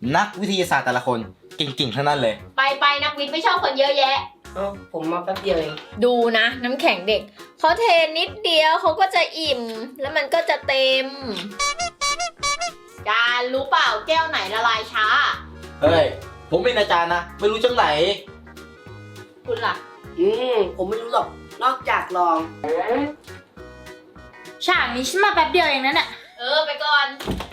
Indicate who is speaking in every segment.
Speaker 1: นักวิทยาศาสตร์แต่ละคนเก่งๆทั้งนั้นเลย
Speaker 2: ไปนักวิทย์ไม่ชอบคนเยอะแยะ
Speaker 3: ผมมาแป๊บเดียวเอง
Speaker 2: ดูนะน้ำแข็งเด็กเขาเทนิดเดียวเขาก็จะอิ่ม แล้วมันก็จะเต็ม การรู้เปล่าแก้วไหนละลายช้า
Speaker 1: เฮ้ย ผมเป็นอาจารย์นะ ไม่รู้จังไหน
Speaker 2: คุณล่ะ
Speaker 3: ผมไม่รู้หรอก นอกจากลอง
Speaker 4: ฉากนี้ฉันมาแป๊บเดียวเองนั่นแหละ
Speaker 2: ไปก่อน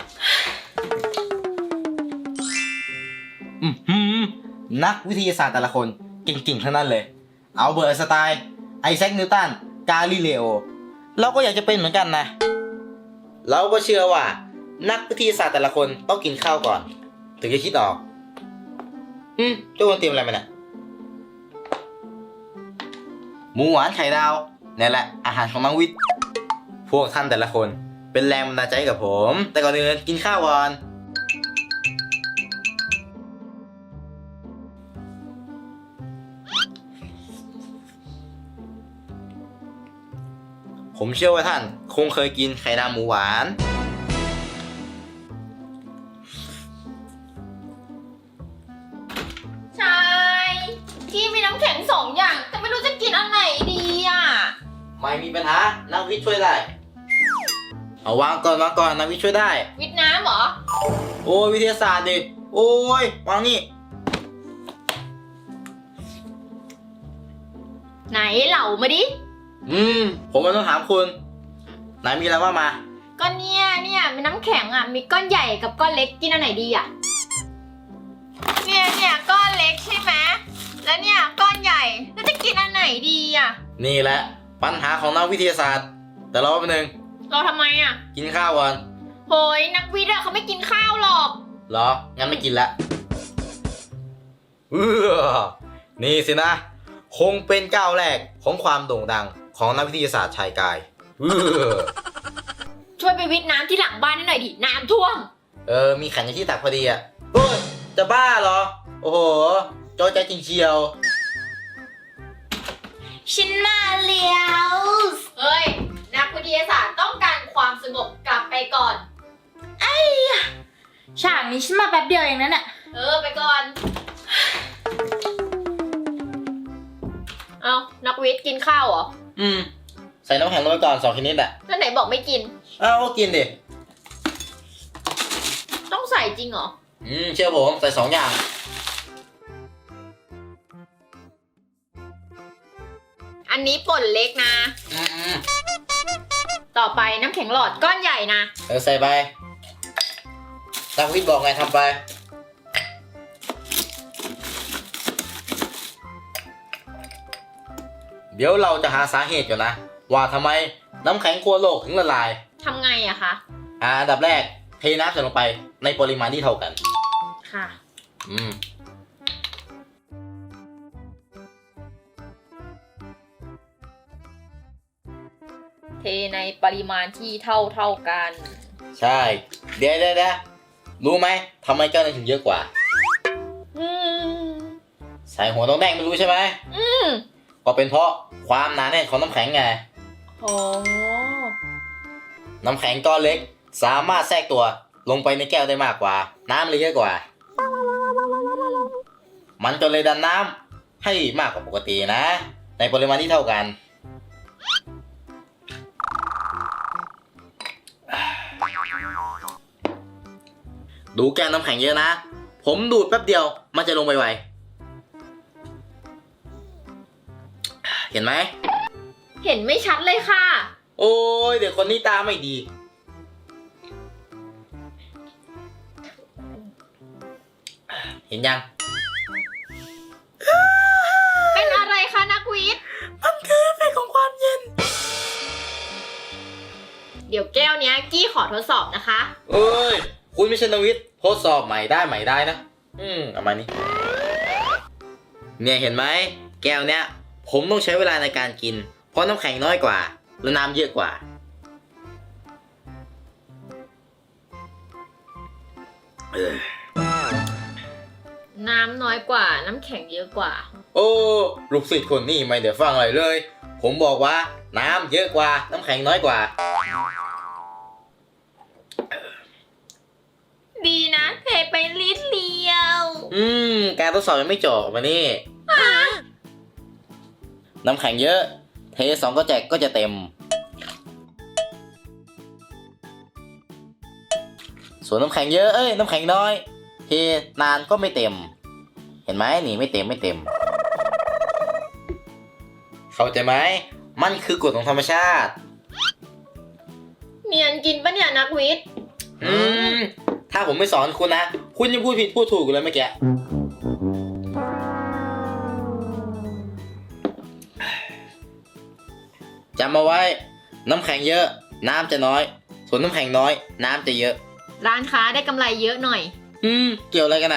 Speaker 1: นักวิทยาศาสตร์แต่ละคนเก่งๆทั้งนั้นเลย อัลเบิร์ตไอน์สไตน์ไอแซคนิวตันกาลิเลโอเราก็อยากจะเป็นเหมือนกันนะ เราก็เชื่อว่า นักวิทยาศาสตร์แต่ละคนต้องกินข้าวก่อน ถึงจะคิดออกเจ้าคนเตรียมอะไรมาเนี่ยหมูหวานไข่ดาวนี่แหละอาหารของนักวิทย์พวกท่านแต่ละคนเป็นแรงบันดาลใจให้กับผม แต่ก่อนอื่นกินข้าวก่อนผมเชื่อว่าท่านคงเคยกินไข่ดาวหมูหวาน
Speaker 2: ใช่พี่มีน้ำแข็ง2 อย่าง แต่ไม่รู้จะกินอันไหนดีอ่ะ
Speaker 1: ไม่มีปัญหานักวิทย์ช่วยได้เอาวางก่อนนักวิทย์ช่วยได้
Speaker 2: วิทย์น้ำเหรอ
Speaker 1: โอ้ยวิทยาศาสตร์ดิโอ้ยวางนี่
Speaker 2: ไหนเหล่ามาดิ
Speaker 1: ผมก็ต้องถามคุณไหนมีอะไรว่ามา
Speaker 2: ก็เนี่ยมีน้ำแข็งอ่ะ มีก้อนใหญ่กับก้อนเล็กกินอันไหนดีอ่ะ เนี่ยก้อนเล็กใช่ไหมแล้วเนี่ยก้อนใหญ่แล้วจะกินอันไหนดีอ่ะ
Speaker 1: นี่แหละปัญหาของนักวิทยาศาสตร์แต่รอแป๊บนึง
Speaker 2: เราทำไมอ่ะ
Speaker 1: กินข้าวก่อน
Speaker 2: โหยนักวิทย์อะเขาไม่กินข้าวหรอก
Speaker 1: เหรองั้นไม่กินละนี่สินะคงเป็นก้าวแรกของความโด่งดังของนักวิทยาศาสตร์ชายกาย
Speaker 2: ช่วยไปวิทย์น้ำที่หลังบ้านให้หน่อยดิน้ำท่วม
Speaker 1: มีขันอยู่ที่ตักพอดีอ่ะเฮ้ยจะบ้าเหรอโอ้โหจอใจจริงเชียว
Speaker 4: ฉันมาเลี้ยว
Speaker 2: เฮ้ยนักวิทยาศาสตร์ต้องการความสงบกลับไปก่อน
Speaker 4: ฉากนี้ฉันมาแป๊บเดียวเองนั่นแหละ
Speaker 2: ไปก่อน เอานักวิทย์กินข้าวเหรอ
Speaker 1: ใส่น้ำแข็งลงไปก่อน2 ชนิดอ่ะ
Speaker 2: แล้วไหนบอกไม่กิน
Speaker 1: ก็กินดิ
Speaker 2: ต้องใส่จริงเหรอ
Speaker 1: เชื่อผมใส่2 อย่าง
Speaker 2: อันนี้ป่นเล็กนะ ต่อไปน้ำแข็งหลอดก้อนใหญ่นะ
Speaker 1: ใส่ไปนักวิทย์บอกไงทำไป เดี๋ยวเราจะหาสาเหตุก่อนนะ ว่าทำไมน้ำแข็งขั้วโลกถึงละลาย
Speaker 2: ทำไงอะคะ
Speaker 1: อันดับแรกเทน้ำใส่ลงไปในปริมาณที่เท่ากัน
Speaker 2: ค่ะ เทในปริมาณที่เท่ากัน
Speaker 1: ใช่ เดี๋ยวรู้ไหมทำไมเจ้านั้นถึงเยอะกว่า ใส่หัวต้องแดงไม่รู้ใช่ไหม ก็เป็นเพราะความหนาแน่นของน้ำแข็งไง
Speaker 2: โอ้
Speaker 1: น้ำแข็งก้อนเล็กสามารถแทรกตัวลงไปในแก้วได้มากกว่า น้ำเลยเยอะกว่า มันก็เลยดันน้ำให้มากกว่าปกตินะ ในปริมาณที่เท่ากัน ดูแก้วน้ำแข็งเยอะนะ ผมดูดแป๊บเดียวมันจะลงไปไวเห็นไหม
Speaker 2: เห็นไม่ชัดเลยค่ะ
Speaker 1: โอ้ยเดี๋ยวคนนี้ตาไม่ดี เห็นยัง
Speaker 2: เป็นอะไรคะนักวิทย์
Speaker 1: มันคือเอฟเฟกต์ของความเย็น
Speaker 2: เดี๋ยวแก้วเนี้ยกี้ขอทดสอบนะคะ
Speaker 1: เอ้ย คุณไม่ใช่นวิทย์ทดสอบใหม่ได้นะ เอามานี่เนี่ยเห็นไหม แก้วเนี้ย ผมต้องใช้เวลาในการกิน เพราะน้ำแข็งน้อยกว่า และน้ำเยอะกว่า
Speaker 2: น้ำน้อยกว่าน้ำแข็งเยอะกว่า
Speaker 1: โอ้ลูกศิษย์คนนี้ไม่เดี๋ยวฟังอะไรเลย ผมบอกว่าน้ำเยอะกว่า น้ำแข็งน้อยกว่า
Speaker 2: ดีนะเทไปลิตร
Speaker 1: การทดสอบยังไม่จบมานี่ น้ำแข็งเยอะ เท2ก็แจกก็จะเต็ม ส่วนน้ำแข็งเยอะ น้ำแข็งน้อย เทนานก็ไม่เต็ม เห็นไหมนี่ไม่เต็ม เข้าใจไหม มันคือกฎของธรรมชาติ
Speaker 2: เนียนกินปะเนี่ยนักวิทย์
Speaker 1: ถ้าผมไม่สอนคุณนะ คุณยังพูดผิดพูดถูกอยู่เลยเมื่อกี้ จำเอาไว้ น้ำแข็งเยอะ น้ำจะน้อย ส่วนน้ำแข็งน้อย น้ำจะเยอะ
Speaker 2: ร้านค้าได้กำไรเยอะหน่อย
Speaker 1: เกี่ยวอะไรกันนะ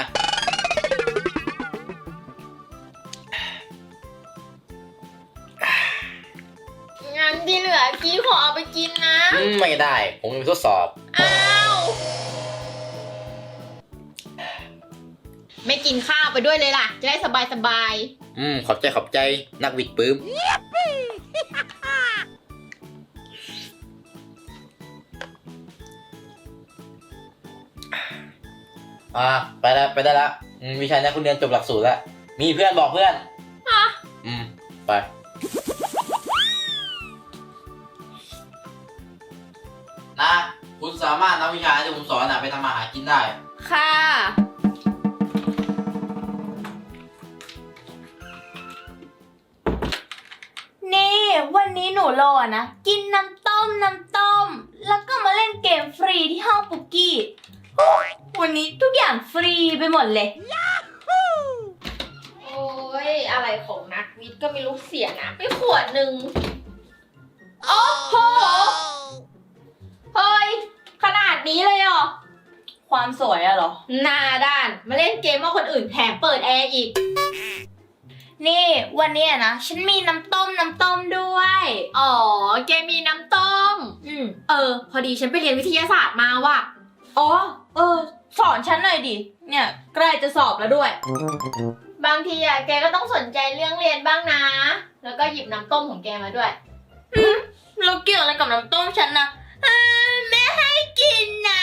Speaker 2: งั้นที่เหลือกี้ขอเอาไปกินนะ
Speaker 1: ไม่ได้ ผมมีทดสอบ
Speaker 2: อ้าว ไม่กินข้าวไปด้วยเลยล่ะ จะได้สบาย
Speaker 1: ขอบใจนักวิดปื้ม ไปได้ละวิชานี้คุณเรียนจบหลักสูตรแล้ว มีเพื่อนบอกเพื่อน ไป นะ คุณสามารถนำวิชาที่ผมสอนไปทำอาหารกินได้
Speaker 2: ๆ ค่ะ
Speaker 4: นี่วันนี้หนูรอนะ กินน้ำต้ม แล้วก็มาเล่นเกมฟรีที่ห้องปุกกี้โอ้ยวันนี้ทุกอย่างฟรีไปหมดเลย
Speaker 2: โอ้ย อะไรของนักวิทย์ก็ไม่รู้เสียนะไปขวดหนึ่งโอ้โห เฮ้ย ขนาดนี้เลยเหรอ
Speaker 4: ความสวยอะเหรอ
Speaker 2: หน้าด้าน มาเล่นเกมว่าคนอื่นแถมเปิดแอร์อีก
Speaker 4: นี่วันนี้นะ ฉันมีน้ำต้มด้วย
Speaker 2: อ๋อ เกมมีน้ำต้ม พอดีฉันไปเรียนวิทยาศาสตร์มาว่ะ
Speaker 4: อ๋อสอนฉันหน่อยดิ เนี่ยใกล้จะสอบแล้วด้วย
Speaker 2: บางทีอะแกก็ต้องสนใจเรื่องเรียนบ้างนะ แล้วก็หยิบน้ำต้มของแกมาด้วย
Speaker 4: แล้วเกี่ยวอะไรกับน้ำต้มฉันนะแม่ให้กินนะ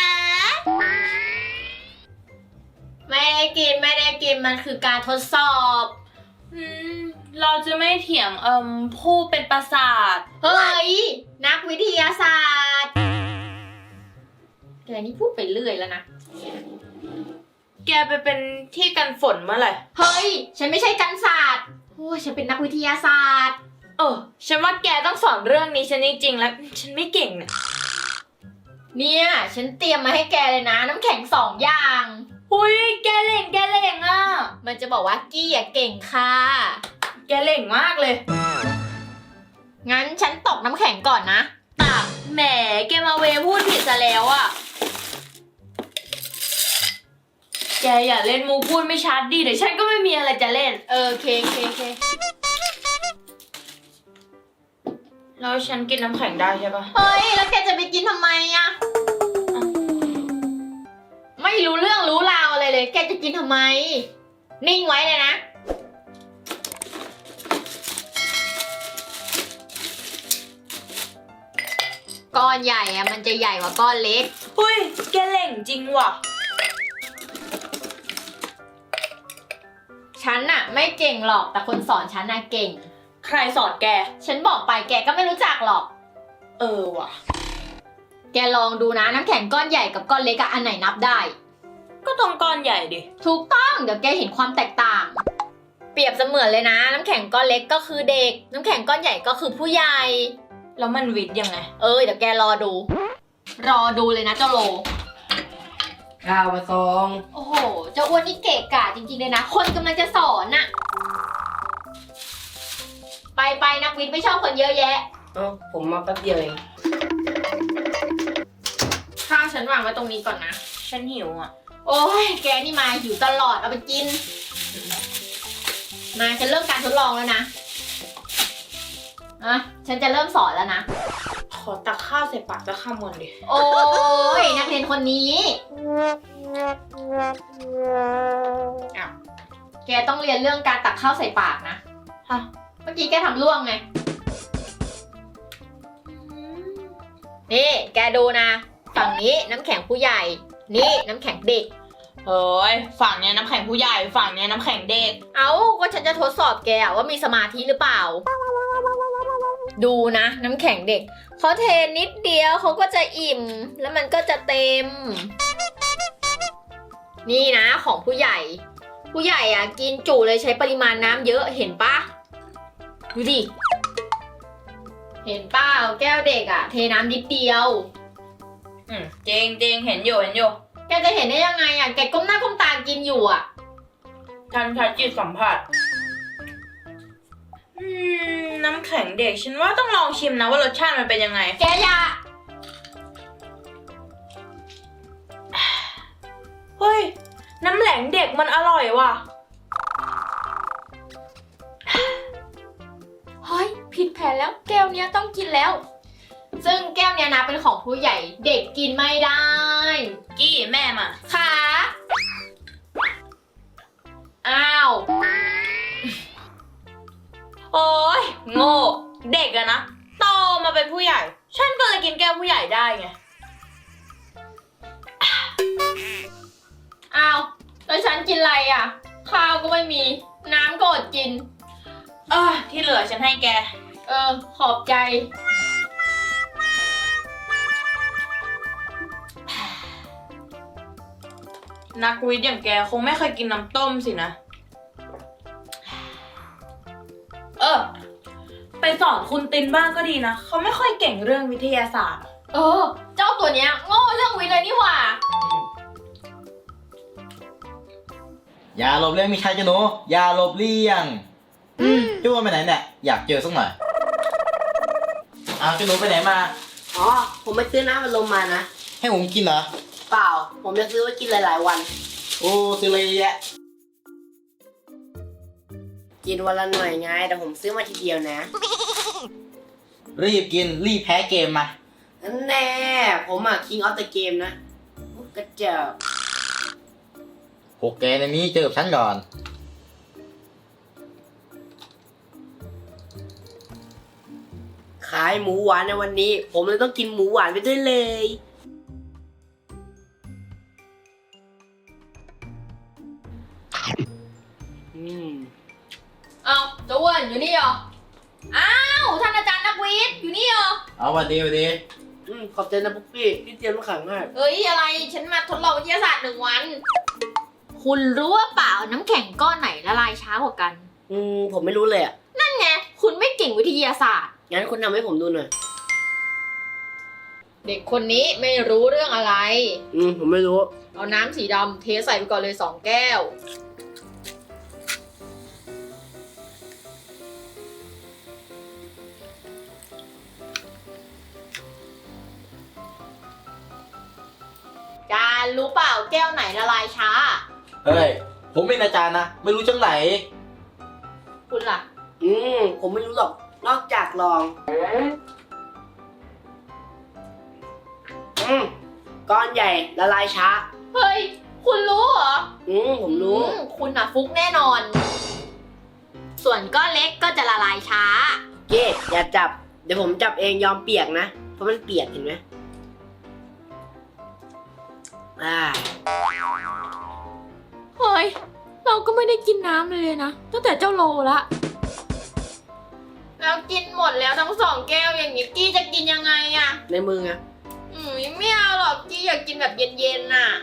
Speaker 2: ไม่ได้กิน มันคือการทดสอบ
Speaker 4: เราจะไม่เถียงผู้เป็นประสาท
Speaker 2: เฮ้ย นักวิทยาศาสตร์ แกนี่พูดไปเรื่อยแล้วนะ
Speaker 4: แกไปเป็นที่กันฝนเมื่อไหร่
Speaker 2: เฮ้ย ฉันไม่ใช่กันศาสตร์โอ้ยฉันเป็นนักวิทยาศาสตร์
Speaker 4: ฉันว่าแกต้องสอนเรื่องนี้ฉันจริงๆแล้ว ฉันไม่เก่งเนี่ย
Speaker 2: เนี่ย ฉันเตรียมมาให้แกเลยนะ น้ำแข็ง2 อย่าง
Speaker 4: หุยแกเล่งอ่ะ
Speaker 2: มันจะบอกว่ากี้อะเก่งค่ะ
Speaker 4: แกเล่งมากเลย
Speaker 2: งั้นฉันตกน้ำแข็งก่อนนะ
Speaker 4: ตักแหมแกมาเวพูดผิดซะแล้วอ่ะ แกอย่าเล่นมูพูดไม่ชัดดิเดี๋ยวฉันก็ไม่มีอะไรจะเล่น
Speaker 2: โอเค
Speaker 4: แล้วฉันกินน้ำแข็งได้ใช่ปะ
Speaker 2: เฮ้ย แล้วแกจะไปกินทำไมอะไม่รู้เรื่องรู้ราวอะไรเลย แกจะกินทำไม นิ่งไว้เลยนะ ก้อนใหญ่อะมันจะใหญ่กว่าก้อนเล็ก
Speaker 4: หุยแกเล่งจริงว่ะ
Speaker 2: ฉันน่ะไม่เก่งหรอก แต่คนสอนฉันน่ะเก่ง
Speaker 4: ใครสอนแก
Speaker 2: ฉันบอกไปแกก็ไม่รู้จักหรอก
Speaker 4: ว่ะ
Speaker 2: แกลองดูนะน้ำแข็งก้อนใหญ่กับก้อนเล็กอะอันไหนนับได้
Speaker 4: ก็ต้องก้อนใหญ่ดิ
Speaker 2: ถูกต้องเดี๋ยวแกเห็นความแตกต่าง เปรียบเสมือนเลยนะ น้ำแข็งก้อนเล็กก็คือเด็ก น้ำแข็งก้อนใหญ่ก็คือผู้ใหญ่
Speaker 4: แล้วมันวิทย์ยังไง
Speaker 2: เดี๋ยวแกรอดูเลยนะเจ้าโล
Speaker 3: ข้าวมาซอง
Speaker 2: โอ้โห เจ้าอ้วนนี่เกะกะจริงๆเลยนะ คนกำลังจะสอนน่ะ ไปนักวิทย์ไม่ชอบคนเยอะแยะ
Speaker 3: ผมมาแป๊บเดียวเอง
Speaker 2: ข้าวฉันวางไว้ตรงนี้ก่อนนะ
Speaker 4: ฉันหิวอ่ะ
Speaker 2: โอ้ย แกนี่มาหิวตลอด เอาไปกิน มาฉันเริ่มการทดลองแล้วนะ ฉันจะเริ่มสอนแล้วนะ
Speaker 4: ขอตักข้าวใส่ปากจะข้ามวันดิ
Speaker 2: โอ้ย นักเรียนคนนี้อ้าวแกต้องเรียนเรื่องการตักข้าวใส่ปากนะ
Speaker 4: ฮะ
Speaker 2: เมื่อกี้แกทำล่วงไง นี่ แกดูนะ ฝั่งนี้น้ำแข็งผู้ใหญ่ นี่น้ำแข็งเด็ก
Speaker 4: เฮ้ยฝั่งเนี้ยน้ำแข็งผู้ใหญ่ฝั่งเนี้ยน้ำแข็งเด็ก
Speaker 2: เอ้าก็ฉันจะทดสอบแกอะว่ามีสมาธิหรือเปล่า ดูนะน้ำแข็งเด็กเขาเทนิดเดียวเขาก็จะอิ่ม แล้วมันก็จะเต็ม นี่นะของผู้ใหญ่ ผู้ใหญ่อะกินจุเลยใช้ปริมาณน้ำเยอะเห็นปะดูดิเห็นเปล่าแก้วเด็กอะเทน้ำนิดเดียว
Speaker 4: จริงจริงเห็นอยู่
Speaker 2: แกจะเห็นได้ยังไงอะแกก้มหน้าก้มตากินอยู่อะ
Speaker 4: ฉันใช้จิตสัมผัสน้ำแข็งเด็กฉันว่าต้องลองชิมนะว่ารสชาติมันเป็นยังไง
Speaker 2: แกอย่า
Speaker 4: เฮ้ยน้ำแข็งเด็กมันอร่อยว่ะ
Speaker 2: เฮ้ยผิดแผนแล้วแก้วเนี้ยต้องกินแล้ว ซึ่งแก้วเนี้ยนะเป็นของผู้ใหญ่เด็กกินไม่ได้
Speaker 4: กี้แม่มา
Speaker 2: ค่ะอ้าว
Speaker 4: โอ้ยโง่เด็กอะนะโตมาเป็นผู้ใหญ่ ฉันก็เลยกินแก้วผู้ใหญ่ได้ไง
Speaker 2: อ้าวแล้วฉันกินอะไรอ่ะ ข้าวก็ไม่มีน้ำก็อดกิน
Speaker 4: ที่เหลือฉันให้แก
Speaker 2: ขอบใจ
Speaker 4: นักวิทย์อย่างแกคงไม่เคยกินน้ำต้มสินะ ไปสอนคุณตินบ้างก็ดีนะ เขาไม่ค่อยเก่งเรื่องวิทยาศาสตร์
Speaker 2: เจ้าตัวเนี้ยโง่เรื่องวิทย์เลยนี่หว่า
Speaker 1: อย่าหลบเลี่ยงมีชัยจ้ะหนูอย่าหลบเลี่ยงจ้าไปไหนเนี่ยอยากเจอสักหน่อยอ้าวจ้าหนูไปไหนมา
Speaker 3: อ๋อ ผมไปซื้อน้ำมันลมมานะ
Speaker 1: ให้ผมกินเหรอ
Speaker 3: เปล่า ผมจะซื้อไว้กินหลายๆวัน
Speaker 1: โอ้ซื้ออะไรเยอะแยะ
Speaker 3: กินวันละหน่อยไง แต่ผมซื้อมาทีเดียวนะ
Speaker 1: รีบกินรีบแพ้เกมมา
Speaker 3: นั่นแน่ ผมอะ King of the Game นะกระจอก
Speaker 1: พวกแกในนี้เจอกับฉันก่อน
Speaker 3: ขายหมูหวานในวันนี้ ผมเลยต้องกินหมูหวานไปด้วยเลย
Speaker 2: อ้าวเจ้าอ้วนอยู่นี่เหรอ อ้าวท่านอาจารย์นักวิทย์อยู่นี่เหรอ
Speaker 1: เอาวันดีวันดี
Speaker 3: ขอบใจนะปุ๊กกี้ที่เตรียมน้ำแข็งให้
Speaker 2: เอ้ยอะไรฉันมาทดลองวิทยาศาสตร์1 วัน คุณรู้ว่าเปล่าน้ำแข็งก้อนไหนละลายช้ากว่ากัน
Speaker 3: ผมไม่รู้เลยอะ
Speaker 2: นั่นไงคุณไม่เก่งวิทยาศาสตร์
Speaker 3: งั้นคุณทำให้ผมดูหน่อย
Speaker 2: เด็กคนนี้ไม่รู้เรื่องอะไร
Speaker 3: ผมไม่รู้
Speaker 2: เอาน้ำสีดำเทใส่ไปก่อนเลย2 แก้ว การรู้เปล่าแก้วไหนละลายช้า
Speaker 1: เฮ้ยผมเป็นอาจารย์นะไม่รู้จังไหน
Speaker 2: คุณล่ะ
Speaker 3: ผมไม่รู้หรอก นอกจากลอง ก้อนใหญ่ละลายช้า
Speaker 2: เฮ้ย คุณรู้เหรอ
Speaker 3: ผมรู้
Speaker 2: คุณน่ะฟุกแน่นอน ส่วนก้อนเล็กก็จะละลายช้า
Speaker 3: เก้อย่าจับ เดี๋ยวผมจับเองยอมเปียกนะ เพราะมันเปียกเห็นไหม
Speaker 2: เฮ้ย เราก็ไม่ได้กินน้ำเลยนะ ตั้งแต่เจ้าโลละแล้วกินหมดแล้วทั้ง2 แก้วอย่างนี้กี้จะกินยังไงอะ
Speaker 3: ในมือไง
Speaker 2: ไม่เอาหรอกกี้อยากกินแบบเย็นๆน่ะ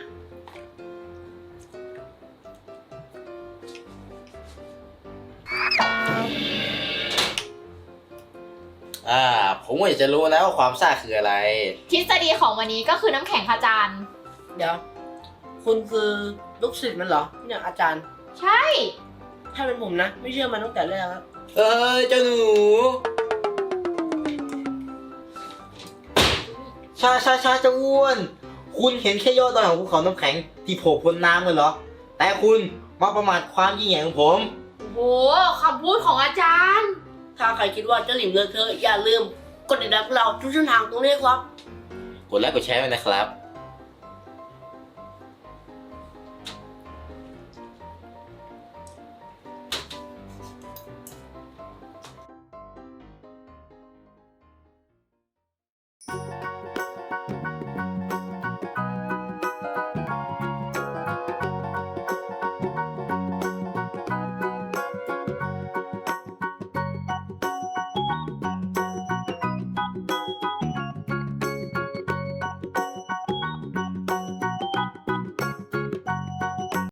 Speaker 1: ผมก็อยากจะรู้นะว่าความซ่าคืออะไร
Speaker 2: ทฤษฎีของวันนี้ก็คือน้ำแข็งค่ะอาจารย์
Speaker 3: เดี๋ยว คุณคือลูกศิษย์มันเหรอเนี่ยอาจารย์
Speaker 2: ใช่
Speaker 3: ถ้าเป็นผมนะ ไม่เชื่อมันตั้งแต่แรกแล้ว
Speaker 1: เอ้ยเจ้าหนูช้าเจ้าอ้วน คุณเห็นแค่ยอดดอยของภูเขาน้ำแข็งที่โผล่พ้นน้ำเลยเหรอ แต่คุณมาประมาทความยิ่งใหญ่ของผม
Speaker 2: โอ้โหคำพูดของอาจารย์
Speaker 3: ถ้าใครคิดว่าเจ้าหลิมเลอะเทอะอย่าลืมกดติดตามเราทุกช่องทางตรงนี้ครับ
Speaker 1: กดไลค์กดแชร์ไว้นะครับ